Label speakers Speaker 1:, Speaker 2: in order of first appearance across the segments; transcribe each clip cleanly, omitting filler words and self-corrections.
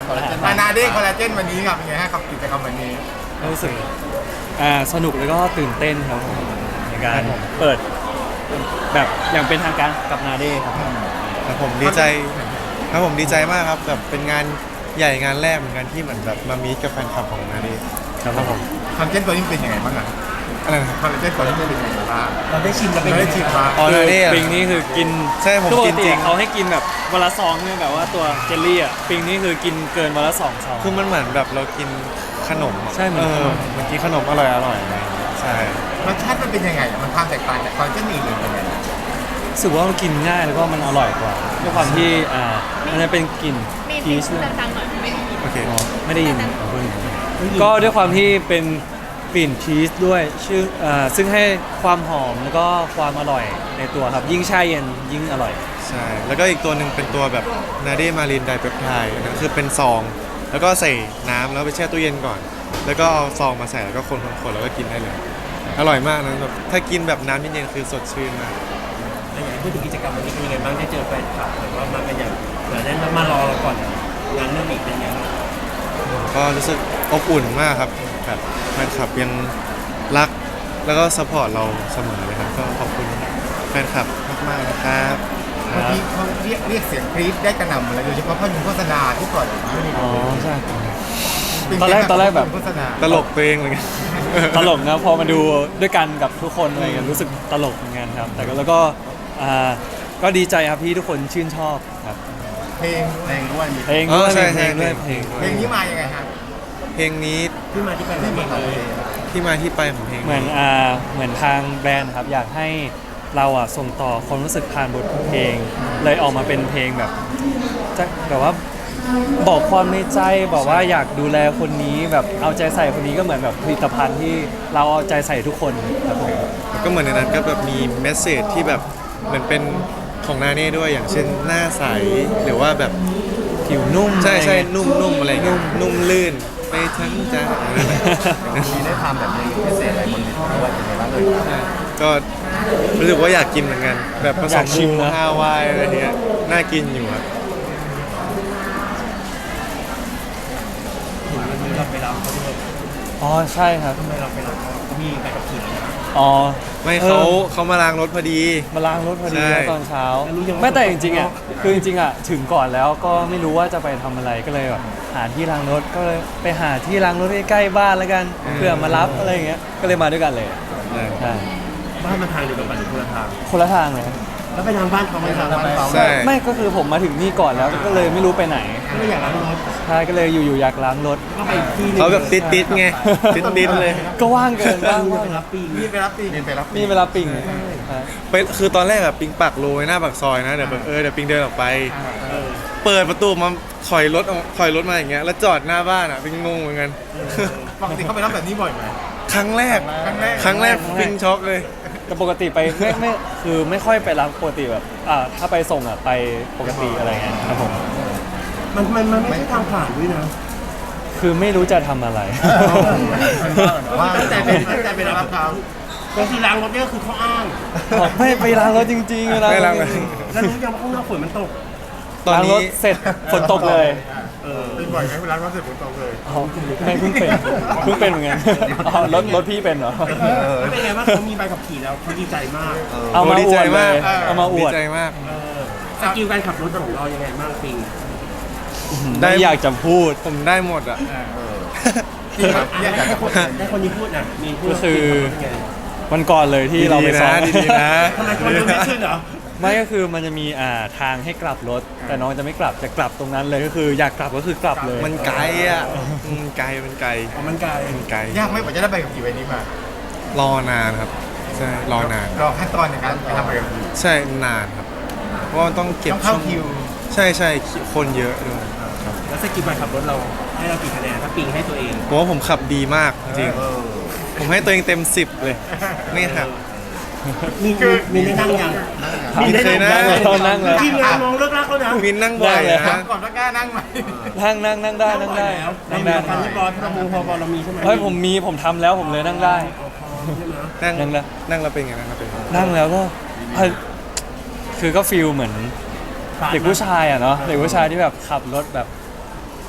Speaker 1: มานาเด้คอลลาเจนวันนี้ครับเป็นไงฮะกับกิจกรรมวันนี้
Speaker 2: รู้สึกสนุกแล้วก็ตื่นเต้นครับผมในการเปิดแบบอย่างเป็นทางการกับนาเด้ครับ
Speaker 3: ครับผมดีใจครับผมดีใจมากครับแบบเป็นงานใหญ่งานแรกเหมือนกันที่เหมือนแบบมามีกับแฟนคลับของนาเด้ครับผม
Speaker 1: คอลลาเจนตัวนี้เป็นยังไงบ้างอ่ะ
Speaker 3: อะไรนะ
Speaker 1: คอลลาเจนตัวนี้เป็นยังไงบ้าง
Speaker 4: เราได้ชิมแล้วเป็น
Speaker 1: ได้ชิมมา
Speaker 3: อ๋อนาเด้
Speaker 2: ปิงนี่คือกิน
Speaker 3: ใช่ผม
Speaker 2: ปก
Speaker 3: กิน
Speaker 2: ติ
Speaker 3: จริง
Speaker 2: เขาให้กินแบบวันละซองเนี่ยแบบว่าตัวเจลลี่อ่ะปิงนี่คือกินเกินวันละ2 ซอง
Speaker 3: คือมันเหมือนแบบเรากินขนม
Speaker 2: ใช่เหมือน
Speaker 3: เมื่อกี้ขนมอร่อยอะไรอย่างเงี้ยใช่
Speaker 1: รสชาติมันเป็นยังไงมันความแตกต่างจากคอลลาเจนอื่นเป็นยังไง
Speaker 2: รู้สึกว่ามันกินง่ายแล้วก็มันอร่อยกว่าด้วยความที่มันจะเป็นกลิ่นพีช
Speaker 5: ดังๆหน่อยไม่ได้ยิน
Speaker 3: โอเค
Speaker 2: ไม่ได้ยินก็ด้วยความที่เป็นกลิ่นชีสด้วยซึ่งให้ความหอมแล้วก็ความอร่อยในตัวครับยิ่งแช่เย็นยิ่งอร่อย
Speaker 3: ใช่แล้วก็อีกตัวหนึ่งเป็นตัวแบบนาเด้มารินไดเปปไทด์นะคือเป็นซองแล้วก็ใส่น้ำแล้วไปแช่ตู้เย็นก่อนแล้วก็เอาซองมาใส่แล้วก็คนแล้วก็กินได้เลยอร่อยมากนะแบบถ้ากินแบบน้ำเย็นๆคือสดชื่นมาก
Speaker 4: อย่างพูดถึงกิจกรรมวันนี้เป็นยังไงบ้างได้เจอแฟนคลับหรือว่ามากันอย่างเหมือนนั้นมารอเราก่อนงานเรื่องอีกเป็นยังไง
Speaker 3: ก็รู้สึกอบอุ่นมากครับแบบแฟนคลับยังรักแล้วก็ซัพพอร์ตเราเสมอเลยครับก็ขอบคุณแฟนคลับมากๆนะครับ
Speaker 1: เมื่อกี้เขาเรียกเสียงกรี๊ดได้กระหน่ำเลยโดยเฉพาะภาพยนตร์โฆษณาที่ปล่อยออกมา
Speaker 2: อ๋อใช่ตอนแรกแบบ
Speaker 3: ตลกเพลงเหมือนกัน
Speaker 2: ตลกนะพอมาดูด้วยกันกับทุกคนอะไรกันรู้สึกตลกเหมือนกันครับแต่แล้วก็ดีใจครับที่ทุกคนชื่นชอบครับ
Speaker 1: เพลงด้วย
Speaker 2: เพลงด้วยเพลง
Speaker 1: นี้มายังไงครับ
Speaker 3: เพลงนี้
Speaker 4: ที่มาที่ไป
Speaker 3: ของเพลง
Speaker 2: เหมือนทางแบรนด์ครับอยากให้เราส่งต่อความรู้สึกผ่านบทเพลงเลยออกมาเป็นเพลงแบบจะแบบว่าบอกความในใจบอกว่าอยากดูแลคนนี้แบบเอาใจใส่คนนี้ก็เหมือนแบบผลิตภัณฑ์ที่เราเอาใจใส่ทุกคนครับผม
Speaker 3: ก็เหมือนในนั้นก็แบบมีเมสเสจที่แบบเหมือนเป็นของนาเน่ด้วยอย่างเช่นหน้าใสหรือว่าแบบ
Speaker 2: ผิวนุ่ม
Speaker 3: ใช่นุ่มอะไรเงี้ยนุ่มลื่นไปทั้งใจ
Speaker 1: มีได้ทำแบบนี้พิเศษอะไรบนเวทีด้วยยังไงบ้างเลย
Speaker 3: ก็รู้สึกว่าอยากกินเหมือนกันแบบผสมชิมฮาวายอะไรเงี้ยน่ากินอยู่ครับ
Speaker 4: เราไปรับเขาด้วย
Speaker 2: อ๋อใช่ครับ
Speaker 4: ทำไมเราไปรับเขามีใบขับขี่
Speaker 2: อ๋อ
Speaker 3: ไม่เขามาล้างรถพอดี
Speaker 2: ตอนเช้าไม่แต่จริงๆคือจริงๆถึงก่อนแล้วก็ไม่รู้ว่าจะไปทำอะไรก็เลยแบบหาที่ล้างรถก็เลยไปหาที่ล้างรถใกล้ๆบ้านแล้วกันเพื่อมารับอะไรอย่างเงี้ยก็เลยมาด้วยกันเลยใช่
Speaker 4: บ้านมาทางเดียวกันหรือคนละทาง
Speaker 2: เลย
Speaker 4: แล้วไปทางบ้านเขาไม่ทางบ้านเขา
Speaker 2: ไม่ก็คือผมมาถึงนี่ก่อนแล้วก็เลยไม่รู้ไปไหน
Speaker 4: ก็เลยอยากล้างรถ
Speaker 2: ใช่ก็เลยอยู่อยากล้างรถ
Speaker 4: ก็ไปที่
Speaker 3: เขาแบบติดไงติดเลย
Speaker 2: ก็ว่างเกินว่าง
Speaker 4: รับปี
Speaker 1: นี่ไปรับ
Speaker 2: ปิง
Speaker 3: ไปคือตอนแรกแบบปิงปักโรยหน้าปากซอยนะเดี๋ยวเดี๋ยวปิงเดินออกไปเปิดประตูมาถอยรถมาอย่างเงี้ยแล้วจอดหน้าบ้านปิงงงเหมือนกัน
Speaker 1: ปกติเขาไปรับแบบนี้บ่อยไหม
Speaker 3: ครั้งแรกปิงช็อกเลย
Speaker 2: แต่ปกติไปไม่คือไม่ค่อยไปรับปกติแบบถ้าไปส่งไปปกติอะไรเงี้ยครับผม
Speaker 4: มันไม่ใช่ทางผ่านด้วยนะ
Speaker 2: คือไม่รู้จะทำอะไร
Speaker 1: ว่าแต่เป็นรับเขา
Speaker 4: ก็คือล้างรถเนี่ยคือเขาอ้าง
Speaker 2: ไม่ไปล้างรถจริงๆ
Speaker 3: ไม่ล้าง
Speaker 4: แล้วรู้ยังว่าข้างนอกฝนมันตก
Speaker 2: ล้างรถเสร็จฝนตกเลย
Speaker 1: เป็นบ่อยไหมเวลาเขาเสร็จฝนตกเลย
Speaker 2: ไม่เพิ่งเป็นเหมือนกันรถพี่เป็นเหรอ
Speaker 4: แล้วเป็นไงว่าเขามีใบขับขี่แล้วเขาดีใจมาก
Speaker 2: เอามาอวดเลยเอามาอวด
Speaker 3: ดีใจมาก
Speaker 4: สกิลการขับรถของเรายังไงบ้างปิง
Speaker 2: ได้อยากจะพูด
Speaker 3: ผมได้หมด
Speaker 4: ได้คนนี้พูดนะมีพูด
Speaker 2: ก็คือวันก่อนเลยที่เราไปซ้อม
Speaker 3: ดีนะ
Speaker 4: ทำไมคนดูไม่ขึ้นเหรอ
Speaker 2: ไม่ก็คือมันจะมีทางให้กลับรถแต่น้องจะไม่กลับจะกลับตรงนั้นเลยก็คืออยากกลับก็คือกลับเลย
Speaker 3: มันไกลมันไกล
Speaker 4: มันไกล
Speaker 1: ยากไม่กว่าจะได้ใบขับขี่ใบนี้ม
Speaker 3: ารอนานครับใช่รอนาน
Speaker 1: รอขั้นตอนในการไปทำใบขับขี่
Speaker 3: ใช่นานครับเพราะต้องเก็บ
Speaker 1: เข้าคิว
Speaker 3: ใช่คนเยอะด้วย
Speaker 4: แล้วสกิลการขับรถเราให้เรากี่คะแนนถ้าปิงให้ตัวเอง
Speaker 3: ผมว่าผมขับดีมากจริงผมให้ตัวเองเต็ม10เลยนี่ครับ
Speaker 4: มีได้นั่งยัง
Speaker 3: มีเคยนั่ง
Speaker 2: แล้ว
Speaker 4: ทีมงานมองเลิกรักแล้วนะ
Speaker 3: มีนั่งบ่อยนะ
Speaker 1: ก่อนว่ากล้านั่งไหม
Speaker 2: นั่งได้
Speaker 4: นั่งได้การที่บอลเราพอบอลเรามีใช่ไหม
Speaker 2: เฮ้ยผมทำแล้วผมเลยนั่งได้
Speaker 3: นั่งแล้วเป็นไง
Speaker 2: นั่งแล้วก็คือก็ฟีลเหมือนเด็กผู้ชายเนาะเด็กผู้ชายที่แบบขับรถแบบ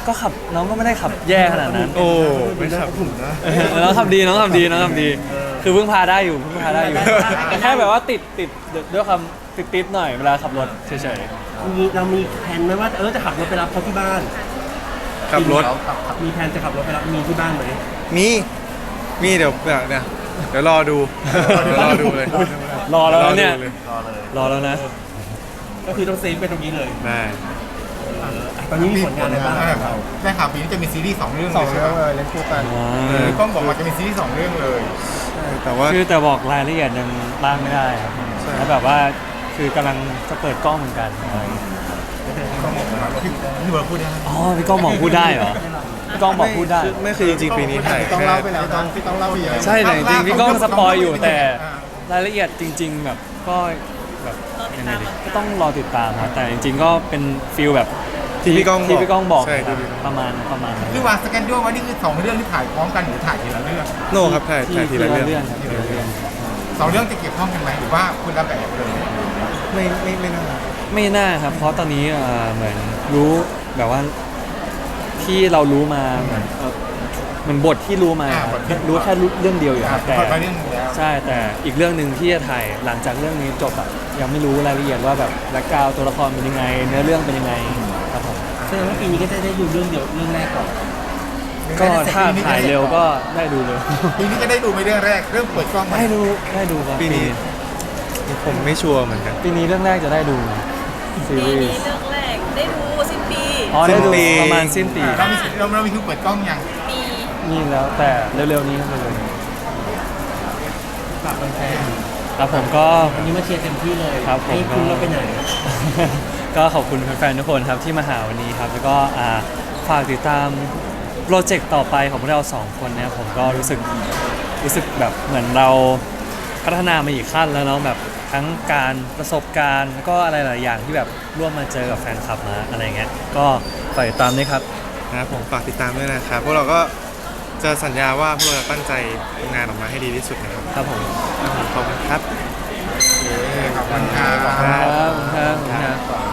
Speaker 2: ก็ขับน้องก็ไม่ได้ขับแย่ขนาดนั้น
Speaker 3: โอ้ไม่ขับ
Speaker 4: ถุงนะ
Speaker 2: น้องทำดีน้องทำดีน้องทำดี คือเพิ่งพาได้อยู่แต่แค่แบบว่าติดด้วยความติดหน่อยเวลาขับรถเฉย
Speaker 4: เรามีแผนไหมว่าจะขับรถไปรับเขาที่บ้าน
Speaker 3: ขับรถ
Speaker 4: มีแผนจะขับรถไปรับมีที่บ้านไหม
Speaker 3: มีเดี๋ยวแบบเนี่ยเดี๋ยวรอดูเลย
Speaker 2: ๆรอแล้วนะเนี่ย
Speaker 3: รอดูล
Speaker 2: รอแล้วนะ
Speaker 4: ก็คือต้องเซฟไปตรงนี้เลย
Speaker 3: ได้
Speaker 4: ตอนนี้มีผลงานอะไรบ้างของเรา
Speaker 1: ได้ข่าวปีนี้จะมีซีรีส์2 เรื่องเลยใช่ไหม
Speaker 5: เล่นคู่กัน
Speaker 1: พี่ก้องบอกว่าจะมีซีรีส์2 เรื่องเลย
Speaker 3: แต่ว่า
Speaker 2: คือแต่บอกรายละเอียดยังบ้างไม่ได้ครับ
Speaker 3: ใช่
Speaker 2: แล้วแบบว่าคือกำลังจะเปิดกล้องเหมือนกันอะไรอย่างเงี้ย
Speaker 1: ก้องบอกว่าพี่เบิร์ดพูดได้
Speaker 2: อ๋อพี่ก้องบอกพูดได้เหรอพี่ก้องบอกพูดได้
Speaker 3: ไม่คือจริงๆปีนี้ถ่าย
Speaker 5: ต้อง
Speaker 3: แค่
Speaker 5: เล่าไปแล้วนะ
Speaker 1: พี่ต้องเล่าไปเยอะ
Speaker 2: ใช่แต่จริงๆพี่ก้องสปอยอยู่แต่รายละเอียดจริง ๆ แบบก็แบบยังไงดีก็ต้องรอติดตามครับแต่จริง ๆ ก็เป็นฟิลแบบ
Speaker 3: ที่พี่ก้องบอก
Speaker 2: ที่พี่ก้องบอก
Speaker 3: ใช่
Speaker 2: ครับ
Speaker 3: ที่พี่ก้อง
Speaker 2: ประมาณนั้น
Speaker 1: หรือวางสแกนด้วยว่านี่คือ2 เรื่องที่ถ่ายพร้อมกันหรือถ่ายทีละเรื่อง
Speaker 3: โน่ครับถ่ายทีละเรื่อง
Speaker 2: ครับทีละเรื่อง
Speaker 1: 2 เรื่องจะเกี่ยวข้องกันไหมหรือว่าคุณละแบบเลย
Speaker 3: ไม่น่า
Speaker 2: ไม่น่าครับ เพราะตอนนี้เหมือนรู้แบบว่าที่เรารู้มาเหมือนบทที่รู้มาครับรู้แค่เรื่องเดียวอยู่ครับแต่
Speaker 1: ไปเรื่องนึงแล้ว
Speaker 2: ใช่แต่อีกเรื่องหนึ่งที่จะถ่ายหลังจากเรื่องนี้จบยังไม่รู้รายละเอียดว่าแบบแบ็คกราวด์ตัวละครเป็นยังไง เนื้อเรื่องเป็นยังไงครับผม
Speaker 4: แสดงว่าปีนี้ก็จะได้ดูเรื่องเดียวเรื่องแรกก่อน
Speaker 2: ก็ถ้าถ่ายเร็วก็ได้ดูเลย
Speaker 1: ปีนี้จะได้ดูไปเรื่องแรกเริ่มเปิดกล้องมา
Speaker 2: ได้ดูครับ
Speaker 3: ปีนี้ผมไม่ชัวร์เหมือนกัน
Speaker 2: ปีนี้เรื่องแรกจะได้ดูซี
Speaker 6: ปี
Speaker 2: รี
Speaker 6: นี้
Speaker 2: ส์
Speaker 6: เรื่องแรกได้ดูสิ้นปี
Speaker 2: อ๋อได้ดู
Speaker 3: สิ้นปี
Speaker 2: ประมาณสิ้นปี
Speaker 1: เรามีคิวเปิดกล้องยัง
Speaker 6: มี
Speaker 2: นี่แล้วแต่เร็วๆนี้ครับเร็วๆนี้
Speaker 4: ฝากแฟน
Speaker 2: ครับผมก็
Speaker 4: ๆวันนี้มาเชียร์เต็มที่เลย
Speaker 2: ครับผม
Speaker 4: ให้คุณเราไปไหน
Speaker 2: ก็ขอบคุณแฟนๆทุกคนครับที่มาหาวันนี้ครับ แล้วก็ฝากติดตามโปรเจกต์ต่อไปของพวกเราสองคนนะครับผมก็รู้สึกแบบเหมือนเราพัฒนามาอีกขั้นแล้วเนาะแบบทั้งการประสบการณ์แล้วก็อะไรหลายอย่างที่แบบร่วมมาเจอกับแฟนคลับมาอะไรเงี้ยก็ฝากติดตามด้วยครับ
Speaker 3: นะครับผมฝากติดตามด้วยนะครับพวกเราก็จะสัญญาว่าพวกเราจะตั้งใจทำงานออกมาให้ดีที่สุดนะครับ
Speaker 2: ครับผม
Speaker 3: ขอบคุณครับ
Speaker 1: ขอบคุณครับ
Speaker 2: ครับ